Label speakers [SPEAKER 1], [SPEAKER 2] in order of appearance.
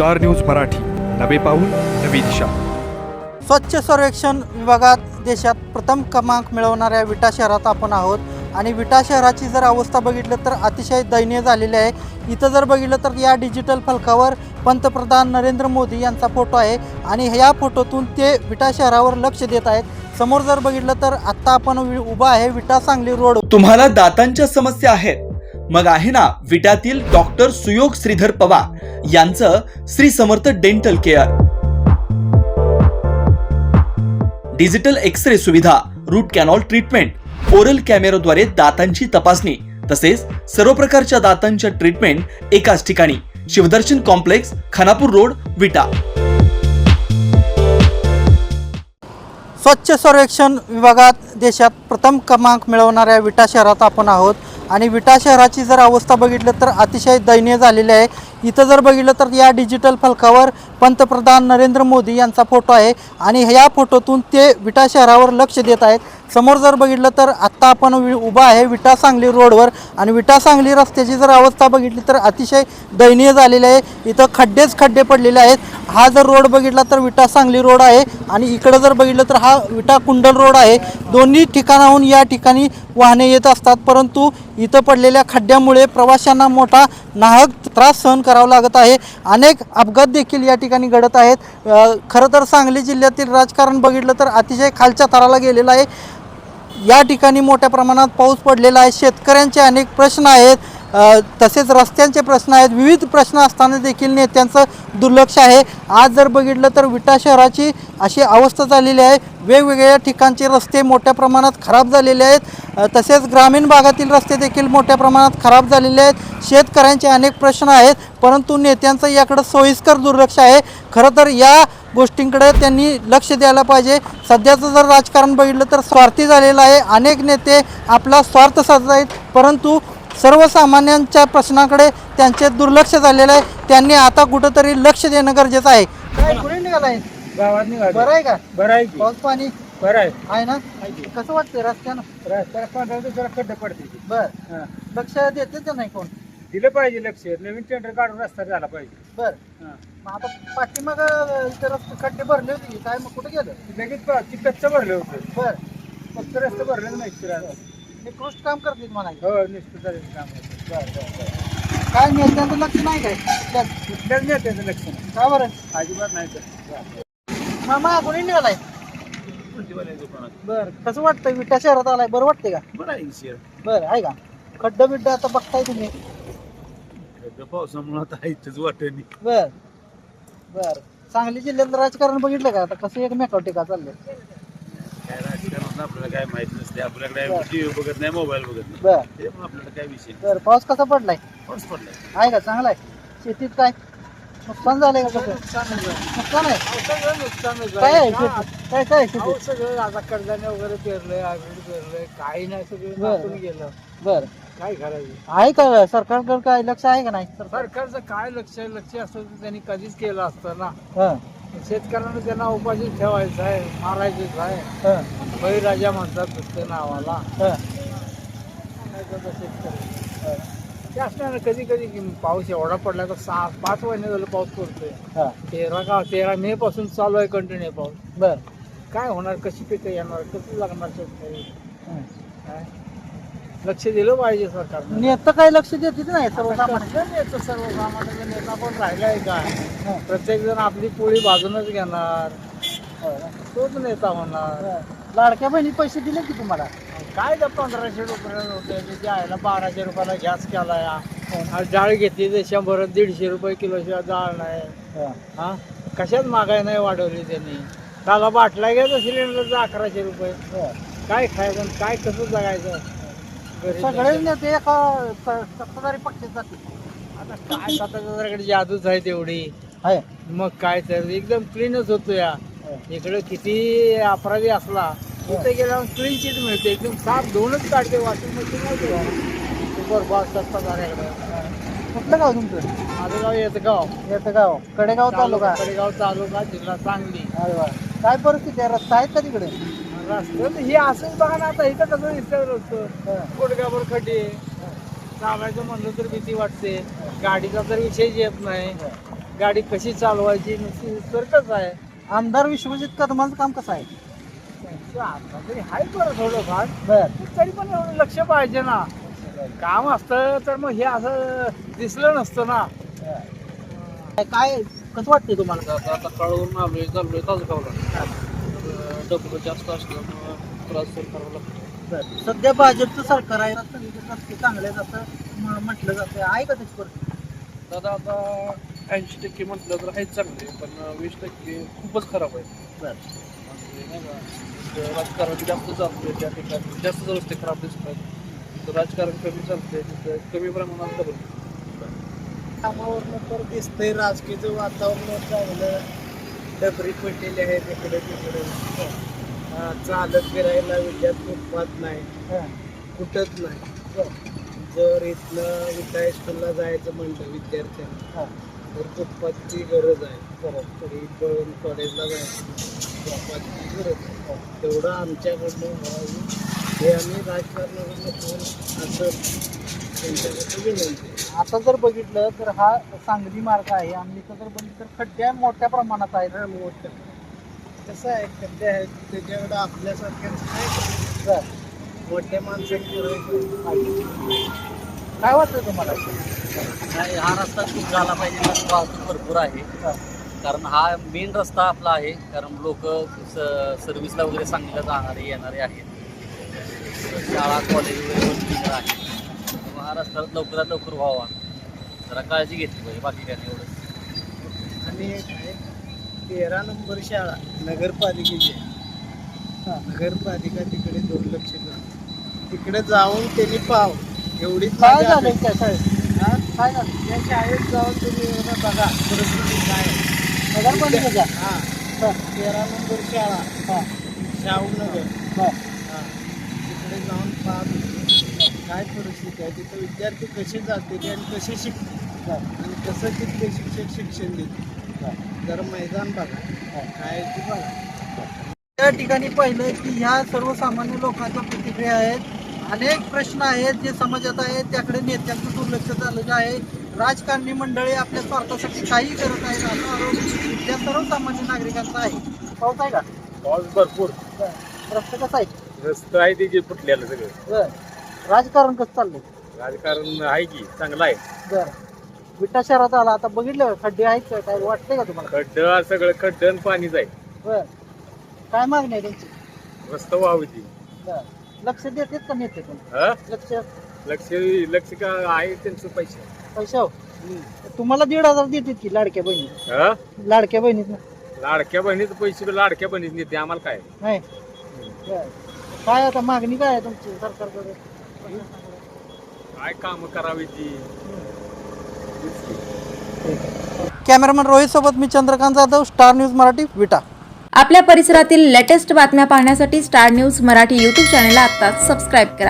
[SPEAKER 1] Star news Marathi, नवे पाऊल नवी दिशा.
[SPEAKER 2] स्वच्छ सर्वेक्षण विभागात देशात प्रथम क्रमांक मिळवणाऱ्या विटा शहरात आपण आहोत आणि विटा शहराची जर अवस्था बघितलं तर अतिशय दयनीय झालेली आहे. इथं जर बघितलं तर या डिजिटल फलकावर पंतप्रधान नरेंद्र मोदी यांचा फोटो आहे आणि ह्या फोटोतून ते विटा शहरावर लक्ष देत आहेत. समोर जर बघितलं तर आत्ता आपण उभा आहे विटा सांगली रोड.
[SPEAKER 3] तुम्हाला दातांच्या समस्या आहेत मग आहे ना विट्यातील डॉक्टर सुयोग श्रीधर पवार यांचं Shri Samarth dental care. Digital x ray सुविधा, रूट कॅनॉल ट्रीटमेंट, ओरल कॅमेराद्वारे दातांची तपासणी तसेच सर्व प्रकारच्या दातांच्या ट्रीटमेंट एकाच ठिकाणी. शिवदर्शन कॉम्प्लेक्स, खानापूर रोड, विटा.
[SPEAKER 2] स्वच्छ सर्वेक्षण विभागात देशात प्रथम क्रमांक मिळवणाऱ्या विटा शहरात आपण आहोत आणि विटा शहराची जर अवस्था बघितलं तर अतिशय दयनीय झालेली आहे. इथं जर बघितलं तर या डिजिटल फलकावर पंतप्रधान नरेंद्र मोदी यांचा फोटो आहे आणि ह्या फोटोतून ते विटा शहरावर लक्ष देत आहेत. समोर जर बघितलं तर आत्ता आपण उभा आहे विटा सांगली रोडवर आणि विटा सांगली रस्त्याची जर अवस्था बघितली तर अतिशय दयनीय झालेली आहे. इथं खड्डे पडलेले आहेत. हा जर रोड बघितला तर विटा सांगली रोड आहे आणि इकडं जर बघितलं तर हा विटा कुंडल रोड आहे. दोन्ही ठिकाणाहून या ठिकाणी वाहने येत असतात, परंतु इथं पडलेल्या खड्ड्यामुळे प्रवाशांना मोठा नाहक त्रास सहन करावा लागत आहे. अनेक अपघात देखील या ठिकाणी घडत आहेत. खरं तर सांगली जिल्ह्यातील राजकारण बघितलं तर अतिशय खालच्या थराला गेलेलं आहे. या ठिकाणी मोठ्या प्रमाणात पाऊस पडलेला आहे. शेतकऱ्यांचे अनेक प्रश्न आहेत, तसेच रस्त्यांचे प्रश्न आहेत. विविध प्रश्न असताना देखील नेत्यांचं दुर्लक्ष आहे. आज जर बघितलं तर विटा शहराची अशी अवस्था झालेली आहे. वेगवेगळ्या ठिकाणचे रस्ते मोठ्या प्रमाणात खराब झालेले आहेत. तसेच ग्रामीण भागातील रस्ते देखील मोठ्या प्रमाणात खराब झालेले आहेत. शेतकऱ्यांचे अनेक प्रश्न आहेत, परंतु नेत्यांचं याकडे सोयीस्कर दुर्लक्ष आहे. खरं तर या गोष्टींकडे त्यांनी लक्ष द्यायला पाहिजे. सध्याचं जर राजकारण बघितलं तर स्वार्थी झालेलं आहे. अनेक नेते आपला स्वार्थ साधत आहेत, परंतु सर्वसामान्यांच्या प्रश्नाकडे त्यांचे दुर्लक्ष झालेलं आहे. त्यांनी आता कुठंतरी लक्ष देणं गरजेचं आहे. काय कुठे निघालाय?
[SPEAKER 4] गावात निघालो.
[SPEAKER 2] बरं आहे का?
[SPEAKER 4] बरं आहे की?
[SPEAKER 2] पाऊस पाणी
[SPEAKER 4] बरं आहे.
[SPEAKER 2] आहे ना? कसं वाटतंय रस्त्यानं?
[SPEAKER 4] रस्त्याला पांढरा जरा खड्डे पडते.
[SPEAKER 2] बर,
[SPEAKER 4] हां.
[SPEAKER 2] लक्ष देते का नाही कोण?
[SPEAKER 4] दिलं पाहिजे लक्ष. नवीन टेंडर काढून रस्ता झाला पाहिजे.
[SPEAKER 2] बर,
[SPEAKER 4] हां.
[SPEAKER 2] मग आता पाठीमाग इथे रस्ते खड्डे भरले होते की काय, मग कुठे गेलं?
[SPEAKER 4] लगेच ती कच्चं भरलं होतं.
[SPEAKER 2] बर,
[SPEAKER 4] फक्त रस्ते भरले नाही फिरायला.
[SPEAKER 2] निकृष्ट काम करतील म्हणायचं.
[SPEAKER 4] हो, निश्चित झालेलं काम आहे.
[SPEAKER 2] काय नेत्यांचं लक्ष नाही काय?
[SPEAKER 4] कुठल्याच नेत्याचं लक्ष नाही.
[SPEAKER 2] का बरं?
[SPEAKER 4] अजिबात नाही तर.
[SPEAKER 2] मामा कोणी निघालाय? बर, कसं वाटतंय विटा शहरात आलाय? बरं वाटतंय का?
[SPEAKER 4] बरं आहे शेअर.
[SPEAKER 2] बरं आहे का? खड्डा बिड्डा आता बघताय तुम्ही?
[SPEAKER 4] पावसामुळे आता इथंच वाटणी.
[SPEAKER 2] बर बर, सांगली जिल्ह्यातलं राजकारण बघितलं का आता कसं एकमेकावर टीका चाललंय?
[SPEAKER 4] काय राजकारण आपल्याला काय माहित नसते. आपल्याकडे टीव्ही बघत नाही, मोबाईल बघत नाही.
[SPEAKER 2] बर
[SPEAKER 4] त्यामुळे आपल्याला काय विषय.
[SPEAKER 2] बर, पाऊस कसा पडलाय?
[SPEAKER 4] पाऊस पडलाय.
[SPEAKER 2] आहे का? चांगला आहे. शेतीत काय नुकसान झालंय का? कसं नुकसान आहे? काय आहे शेतीत? काय काय आहे शेतीत?
[SPEAKER 4] सगळं आता कडधान्य वगैरे पेरलंय, हायब्रिड पेरलंय, काही नाही, सगळं
[SPEAKER 2] बरं.
[SPEAKER 4] नासून गेलं.
[SPEAKER 2] बर,
[SPEAKER 4] काय करायचं?
[SPEAKER 2] आहे का सरकारकडे काय लक्ष आहे का नाही?
[SPEAKER 4] सरकारचं काय लक्ष असतं तर त्यांनी कधीच केलं असतं ना.
[SPEAKER 2] हं,
[SPEAKER 4] शेतकऱ्यांना त्यांना उपाशी ठेवायचं आहे, मारायचंच आहे.
[SPEAKER 2] हं,
[SPEAKER 4] बळीराजा म्हणतात नुसतं नावाला.
[SPEAKER 2] हं,
[SPEAKER 4] काय करतं शेतकरी? ते असणार कधी कधी पाऊस एवढा पडला तर 5 महिने झालं पाऊस पडतोय.
[SPEAKER 2] हं.
[SPEAKER 4] 13 मे पासून चालू आहे कंटिन्यू पाऊस.
[SPEAKER 2] बर,
[SPEAKER 4] काय होणार? कशी पिकं येणार? कसं लागणार शेतकरी?
[SPEAKER 2] हं.
[SPEAKER 4] काय लक्ष दिलं पाहिजे सरकारनं.
[SPEAKER 2] नेतं काय लक्ष देते नाही सर्वसामान्य?
[SPEAKER 4] सर्वसामान्याचा नेता पण राहिलाय काय?
[SPEAKER 2] हं,
[SPEAKER 4] प्रत्येक जण आपली पोळी बाजूनच घेणार,
[SPEAKER 2] हं.
[SPEAKER 4] तोच नेता होणार.
[SPEAKER 2] लाडक्या बहिणी पैसे दिले की तुम्हाला?
[SPEAKER 4] काय त्या 1500 रुपयाला होते ते आयला 1200 रुपयाला गॅस केलाय. आज डाळ घेतली तर 100-150 रुपये किलोशिवाय डाळ नाही.
[SPEAKER 2] हं.
[SPEAKER 4] हा, कशाच महागाई नाही वाढवली त्यांनी. त्याला बाटला घ्यायचा सिलेंडरचा 1100 रुपये.
[SPEAKER 2] हं.
[SPEAKER 4] काय खायचं आणि काय कसं जगायचं?
[SPEAKER 2] सगळे नेते एका सत्ताधारी पक्षात जातील.
[SPEAKER 4] आता काय सत्ताधाऱ्याकडे जादूच आहे तेवढी.
[SPEAKER 2] आहे.
[SPEAKER 4] मग काय तर एकदम क्लीनच होतो या. इकडे किती अपराधी असला तिथे गेल्यावर क्लीन चीट मिळते, एकदम साफ धुवूनच काढते. वॉशिंग मशीन नाही बरबाद सत्ताधाऱ्याकडे.
[SPEAKER 2] कुठलं गाव तुमचं?
[SPEAKER 4] माझं गाव येतं
[SPEAKER 2] गाव कडेगाव तालुका.
[SPEAKER 4] कडेगाव तालुका, जिल्हा सांगली.
[SPEAKER 2] अरे वा, काय परिस्थिती आहे? रस्ता आहेत का तिकडे?
[SPEAKER 4] रस्त्यात हे असंच बघा ना. आता इथं कसं दिसतं रस्तं, गुडघ्यावर खड्डे. चालायचं म्हणलं तर भीती वाटते. गाडीचा तर विषयच येत नाही. गाडी कशी चालवायची नुसती तर्कच आहे.
[SPEAKER 2] आमदार विश्वजित कदमांचं काम कसं आहे?
[SPEAKER 4] त्यांचं आता तरी आहे बरं थोडंफार,
[SPEAKER 2] बर
[SPEAKER 4] तरी पण एवढं लक्ष पाहिजे ना. काम असतं तर मग हे असं दिसलं नसतं ना.
[SPEAKER 2] काय कसं वाटतंय तुम्हाला?
[SPEAKER 5] आता कळवून आलोय चाललोय तासगावला. डबल जास्त असल्यामुळं त्रास सहन करावा लागतो.
[SPEAKER 2] सध्या भाजपचं सरकार आहे, रस्ते चांगले आहेत असं म्हटलं जातं, आहे का त्याची परिस्थिती?
[SPEAKER 5] दादा आता 80% म्हटलं तर आहेच चांगले, पण 20% खूपच खराब आहे. म्हणजे नाही का, राजकारण जास्त चालतंय त्या ठिकाणी, जास्त रस्ते खराब दिसतात. तर राजकारण कमी चालतंय तिथं कमी प्रमाणात डबल.
[SPEAKER 4] कामावरनं तर दिसतंय राजकीयचं वातावरण चांगलं. डबरी पडलेली आहे तिकडे तिकडे. चालत फिरायला विद्यात फुटपाथ नाही, कुठंच नाही. जर इथनं विटा हायस्कूलला जायचं म्हणलं विद्यार्थ्यांना तर फुटपाथची गरज आहे. तरी पण कॉलेजला जायचं फुटपाथची गरज आहे. तेवढं आमच्याकडनं व्हावं हे आम्ही राजकारणाकडनं असं त्यांच्याकडे विनंती.
[SPEAKER 2] आता जर बघितलं तर हा सांगली मार्ग आहे आणि इथं जर बघितलं तर खड्डे मोठ्या प्रमाणात आहेत.
[SPEAKER 4] मोठं कसं आहे खड्डे आहेत त्याच्याकडं आपल्यासारख्यांचं नाही. मोठ्या माणसांची
[SPEAKER 2] काय वाटतं तुम्हाला?
[SPEAKER 6] नाही, हा रस्ता खूप झाला पाहिजे. वाहतूक भरपूर आहे, कारण हा मेन रस्ता आपला आहे. कारण लोक सर्व्हिसला वगैरे सांगलीला जाणारे येणारे आहेत, शाळा कॉलेज वगैरे भरपूर आहेत. त्यामुळे हा रस्ता लवकरात लवकर व्हावा, जरा काळजी घेतली पाहिजे. बाकी काय नाही एवढं.
[SPEAKER 4] आणि 13 नंबर शाळा नगरपालिकेची. नगरपालिका तिकडे दुर्लक्ष करते. तिकडे जाऊन त्यांनी पाव एवढी
[SPEAKER 2] काय झालं त्या शाळेत? काय झालं
[SPEAKER 4] त्या शाळेत जाऊन तुम्ही एवढं बघा परिस्थिती काय आहे.
[SPEAKER 2] नगरपालिकेच्या?
[SPEAKER 4] 13 नंबर शाळा शाहूनगर. तिकडे जाऊन पाहत काय परिस्थिती आहे तिथं. विद्यार्थी कसे जाते आणि कसे शिकतात आणि कसं तिथले शिक्षक शिक्षण देते. जरा मैदान बघा काय ते बघा.
[SPEAKER 2] त्या ठिकाणी पाहिलं की ह्या सर्वसामान्य लोकांच्या प्रतिक्रिया आहेत. अनेक प्रश्न आहेत जे समाजात आहेत, त्याकडे नेत्यांचं दुर्लक्ष झालेलं आहे. राजकारणी मंडळी आपल्या स्वार्थासाठी काही करत आहेत असा आरोप त्या सर्वसामान्य नागरिकांचा आहे. पाऊस आहे का?
[SPEAKER 7] पाऊस भरपूर.
[SPEAKER 2] रस्ते कसं आहे?
[SPEAKER 7] रस्ते आहे ते फुटलेलं सगळं.
[SPEAKER 2] राजकारण कसं चाललंय?
[SPEAKER 7] राजकारण आहे की चांगलं आहे.
[SPEAKER 2] बरं, विटा शहरात आला आता बघितलं खड्डे आहेत का? काय वाटतंय का तुम्हाला?
[SPEAKER 7] खड्डं सगळं खड्डं आणि पाणीच आहे.
[SPEAKER 2] बरं, काय मागणी आहे त्यांची?
[SPEAKER 7] रस्ता व्हावी ती.
[SPEAKER 2] बरं, लक्ष देतात का नेते पण?
[SPEAKER 7] हा?
[SPEAKER 2] लक्ष
[SPEAKER 7] लक्ष का आहे त्यांचं पैसे.
[SPEAKER 2] पैसा तुम्हाला 1,500 देतात की लाडक्या बहिणी?
[SPEAKER 7] हा?
[SPEAKER 2] लाडक्या बहिणीत ना?
[SPEAKER 7] लाडक्या बहिणीचं पैसे लाडक्या बहिणीच नेते आम्हाला काय.
[SPEAKER 2] नाही. बरं. काय आता मागणी काय आहे तुमची सरकारकडे?
[SPEAKER 7] काय काम करावी ती.
[SPEAKER 2] कॅमेरामॅन रोहित सोबत मी चंद्रकांत जाधव, स्टार न्यूज मराठी, विटा.
[SPEAKER 8] आपल्या परिसरातील लेटेस्ट बातम्या पाहण्यासाठी स्टार न्यूज मराठी यूट्यूब चॅनलला आत्ताच सबस्क्राईब करा